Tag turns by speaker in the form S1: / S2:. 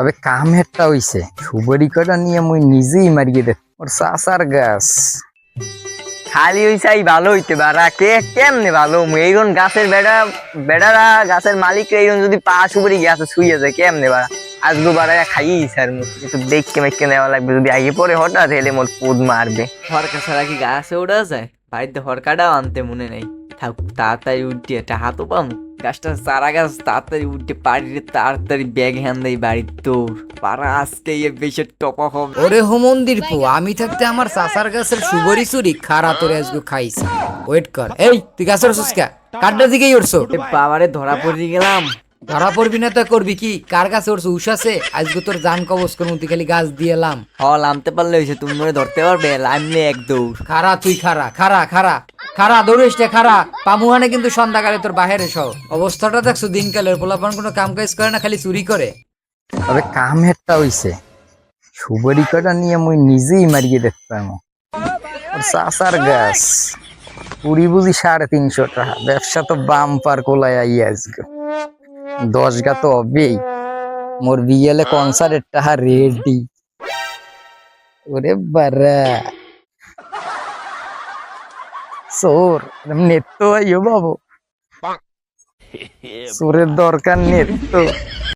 S1: তবে কাম একটা হইছে, সুবরি কটা নিয়ে মুই নিজেই মারিয়ে দে ওর চাচার গাছ।
S2: খালি ওই চাই ভালো হইতে পারা কে কেমনে ভালো এইরকম গাছের বেড়ারা গাছের মালিক এইরকম যদি পা সুপারি গাছে শুয়ে যায় কেমনে বাড়া আজগো বাড়ায় খাইই স্যার একটু দেখকে মেখে নেওয়া লাগবে যদি আগে পরে হঠাৎ হেলে মোর পোদ মারবে।
S3: হরকা ছাড়া কি গাছে ওঠা যায়? বাড়িতে হরকাটাও আনতে মনে নেই। থাক তাড়াতাড়ি উঠে একটা হাতও পাম গাছটা চারা গাছ তাড়াতাড়ি উঠে পাড়িয়ে তাড়াতাড়ি ব্যাগ হ্যান দেয় বাড়ির তোর পাড়া আজকে বেশি টপা হবে।
S4: ওরে হোমন্দির পো, আমি থাকতে আমার চাচার গাছের সুবরি চুরি খারা তোরে আজকে খাইছে। ওয়েট কর, এই তুই গাছের সুস্কা কাঠটার দিকেই উঠছো।
S3: বাবারে ধরা পড়ে গেলাম।
S4: ধরা পড়বি না তো করবি কি? কার গাছে উঠছো? উষ আছে আজকে তোর জান কবজ করবো, তুই খালি গাছ দিয়ে এলাম।
S3: নামতে পারলে হয়েছে, তুমি মনে ধরতে পারবে? লাইমলে এক দৌড়।
S4: খারা তুই খারা খারা খারা খারা দৌড়িস রে খারা। পামুহানে কিন্তু সন্ধ্যাকালে তোর বাহিরে সহ অবস্থাটা দেখছো দিনকালের। পোলাপান কোনো কাম কাজ করে না, খালি চুরি করে।
S1: তবে কাম একটা হইছে, সুবরি কটা নিয়ে মুই নিজেই মারিয়ে দেখতে পারবো ওর চাচার গাছ। পুরি বুঝি 350 টাকা, ব্যবসা তো বাম্পার কোলায় আই আজকে 10 গা তো হবেই। মোর বিয়েলে কনসার্টের টাকা রেডি। ওরে বারা সোর নেত্য আইও বাবু, সোরের দরকার নেত্য।